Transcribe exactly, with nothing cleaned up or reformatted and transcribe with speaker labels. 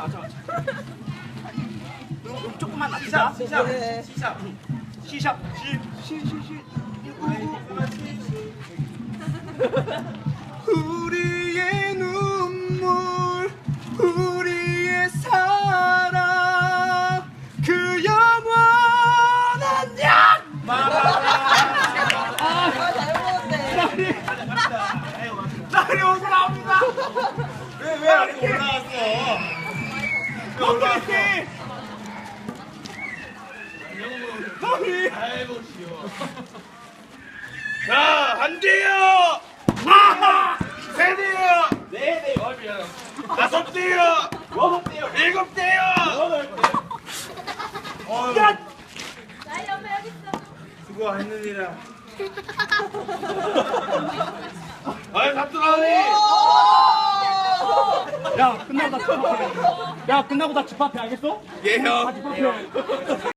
Speaker 1: 자, 자, 자. 조금만 낮추자. 시작, 시작, 시작, 시, 시, 시, 시. 우리의 눈물, 우리의 사랑, 그 영원한 약.
Speaker 2: 아, 잘 먹었네.
Speaker 1: 날이 오고 나옵니다.
Speaker 3: 왜왜 안 올라왔어? 왜 올라왔어?
Speaker 1: 날이.
Speaker 3: 아이고 쉬워. 자, 한 대요.
Speaker 1: 아하.
Speaker 3: 세 대요.
Speaker 1: 네, 네, 얼마요?
Speaker 3: 다섯 대요.
Speaker 1: 여섯 대요.
Speaker 3: 일곱 대요.
Speaker 1: 여덟 대.
Speaker 3: 어,
Speaker 1: 야,
Speaker 2: 나이 엄마 여기 있어.
Speaker 3: 수고했느니라. 아이 잡들어오니.
Speaker 1: 야, 끝나고 다 집합해. 야, 끝나고 다 집합해, 알겠어?
Speaker 3: 예 형.
Speaker 1: 다 집합해.